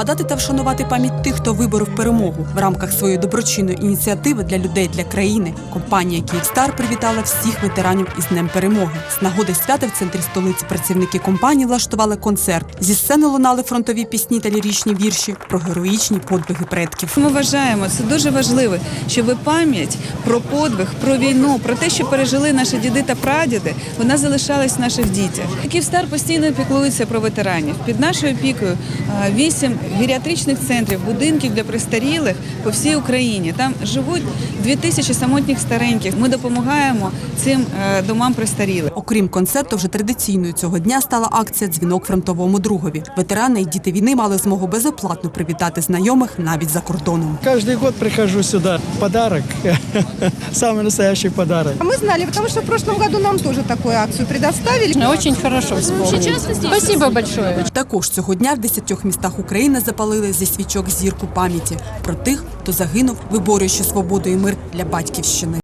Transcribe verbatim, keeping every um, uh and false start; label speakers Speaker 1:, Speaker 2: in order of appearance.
Speaker 1: згадати та вшанувати пам'ять тих, хто виборов перемогу. В рамках своєї доброчинної ініціативи для людей, для країни компанія «Київстар» привітала всіх ветеранів із Днем перемоги. З нагоди свята в центрі столиці працівники компанії влаштували концерт. Зі сцени лунали фронтові пісні та ліричні вірші про героїчні подвиги предків.
Speaker 2: Ми вважаємо, це дуже важливо, щоб пам'ять про подвиг, про війну, про те, що пережили наші діди та прадіди, вона залишалась в наших дітях. «Київстар» постійно піклується про ветеранів. Під нашою опікою вісім геріатричних центрів, будинків для престарілих по всій Україні. Там живуть дві тисячі самотніх стареньких. Ми допомагаємо цим домам престарілих.
Speaker 1: Окрім концерту, вже традиційною цього дня стала акція «Дзвінок фронтовому другові». Ветерани і діти війни мали змогу безоплатно привітати знайомих навіть за кордоном.
Speaker 3: Каждый год прихожу сюда. Подарок. Самый настоящий подарок.
Speaker 4: Мы знали, потому что в прошлом году нам тоже такую акцию предоставили.
Speaker 5: Очень хорошо вспомнили. Спасибо большое.
Speaker 1: Також цього дня в десятьох містах України запалили зі свічок зірку пам'яті про тих, хто загинув, виборюючи свободу і мир для батьківщини.